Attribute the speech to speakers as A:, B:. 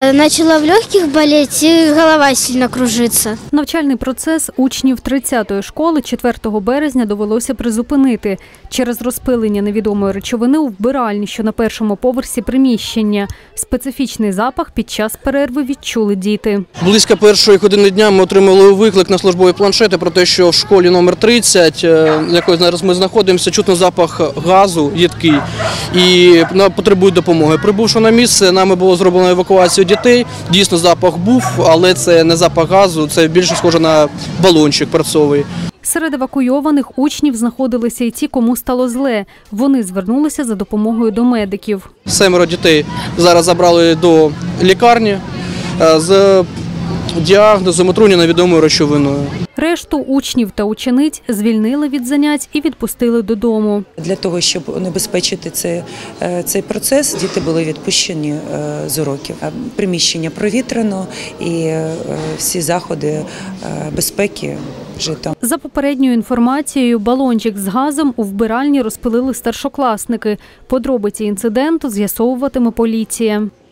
A: Начала в легких болеть и голова сильно кружиться.
B: Навчальний процес учнів 30-ї школи 4 березня довелося призупинити через розпилення невідомої речовини у вбиральні, що на першому поверсі приміщення. Специфічний запах під час перерви відчули діти.
C: Близько першої години дня ми отримали виклик на службові планшети про те, що в школі номер 30, в якій зараз ми знаходимося, чутно запах газу їдкий і потребують допомоги. Прибувши на місце, нами було зроблено евакуацію дітей. Дійсно, запах був, але це не запах газу, це більше схоже на балончик перцовий.
B: Серед евакуйованих учнів знаходилися й ті, кому стало зле. Вони звернулися за допомогою до медиків. 7
C: дітей зараз забрали до лікарні з діагнозом отруєння невідомою речовиною.
B: Решту учнів та учениць звільнили від занять і відпустили додому.
D: Для того, щоб унебезпечити цей процес, діти були відпущені з уроків. Приміщення провітряно і всі заходи безпеки вжито.
B: За попередньою інформацією, балончик з газом у вбиральні розпилили старшокласники. Подробиці інциденту з'ясовуватиме поліція.